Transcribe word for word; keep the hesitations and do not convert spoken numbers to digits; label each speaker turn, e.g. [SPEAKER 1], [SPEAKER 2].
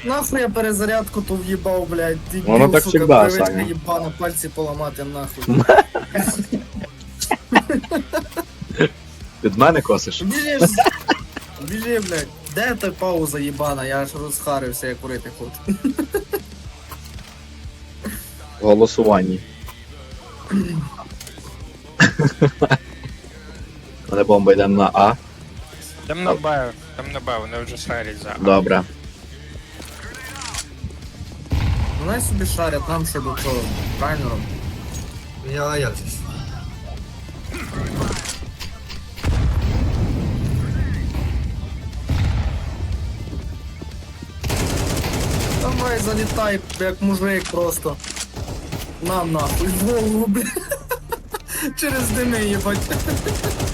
[SPEAKER 1] Нахуй я перезарядку то в'їбав, блядь.
[SPEAKER 2] Воно так
[SPEAKER 1] сука,
[SPEAKER 2] всегда,
[SPEAKER 1] привичка
[SPEAKER 2] Саня.
[SPEAKER 1] їбана, пальці поламати нахуй.
[SPEAKER 2] Від мене косиш?
[SPEAKER 1] Біжи, ж- біжи, блядь. Де та пауза їбана? Я аж розхарився, я курити хочу.
[SPEAKER 2] В голосуванні. Мене бомба йде на А.
[SPEAKER 3] Там на Б, там на Б, вони вже шарять за.
[SPEAKER 2] Добре.
[SPEAKER 1] Вони собі шарять нам ще до цього трайнером.
[SPEAKER 4] Я, а як же ж?
[SPEAKER 1] Давай залітай, як мужик просто. На нахуй, в голову, блядь. Через дими їбать.